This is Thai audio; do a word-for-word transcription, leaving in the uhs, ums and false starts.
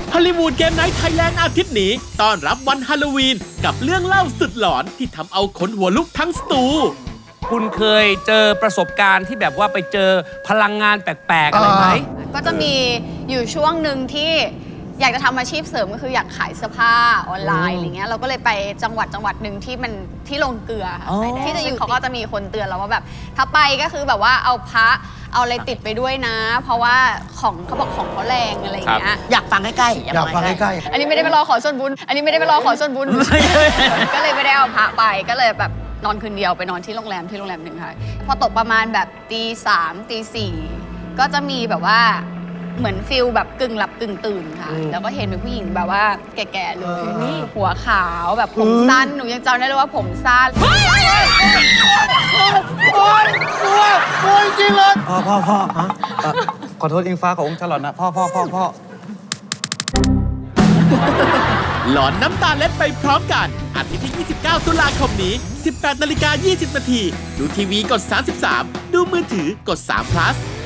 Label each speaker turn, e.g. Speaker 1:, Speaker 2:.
Speaker 1: ฮอลลีวูดเกมไนท์ไทยแลนด์อาทิตย์นี้ต้อนรับวันฮาโลวีนกับเรื่องเล่าสุดหลอนที่ทำเอาขนหัวลุกทั้งสตู
Speaker 2: คุณเคยเจอประสบการณ์ที่แบบว่าไปเจอพลังงานแปลกๆอะไรไหม
Speaker 3: ก็จะมีอยู่ช่วงหนึ่งที่อยากจะทำอาชีพเสริมก็คืออยากขายเสื้อผ้าออนไลน์อะไรเงี้ยเราก็เลยไปจังหวัดจังหวัดหนึ่งที่มันที่ลงเกลือค่ะที่จะอยู่เขาก็จะมีคนเตือนเราว่าแบบถ้าไปก็คือแบบว่าเอาพระเอาอะไรติดไปด้วยนะ เพราะว่าของเขาบอกของเขาแรงอะไรเงี้ย
Speaker 4: อยากฟังใกล้ๆ
Speaker 5: อยากฟังใกล้
Speaker 3: อันนี้ไม่ได้ไปรอขอส่วนบุญอันนี้ไม่ได้ไปรอขอส่วนบุญ ก็เลยไม่ได้เอาพระไปก็เลยแบบนอนคืนเดียวไปนอนที่โรงแรมที่โรงแรมหนึ่งค่ะพอตกประมาณแบบตีสามตีสี่ก็จะมีแบบว่าเหมือนฟิลแบบกึ่งหลับกึ่งตื่นค่ะแล้วก็เห็นเป็นผู้หญิงแบบว่าแก่ๆเลยหัวขาวแบบผมสั้นหนูยังจำได้เลยว่าผมสั้น
Speaker 5: ๆ โอ้ยกลัวกลัวจริงๆเลย
Speaker 6: พ่อพ่อพ่อฮะเอ่อขอโทษอิงฟ้ากับองค์ชาลอตนะพ่อพ่อพ่อพ่อ
Speaker 1: หลอนน้ำตาเล็ดไปพร้อมกันอาทิตย์ที่ ยี่สิบเก้า ตุลาคมนี้ สิบแปดนาฬิกายี่สิบนาทีดูทีวีกด สามสิบสาม ดูมือถือกด สาม plus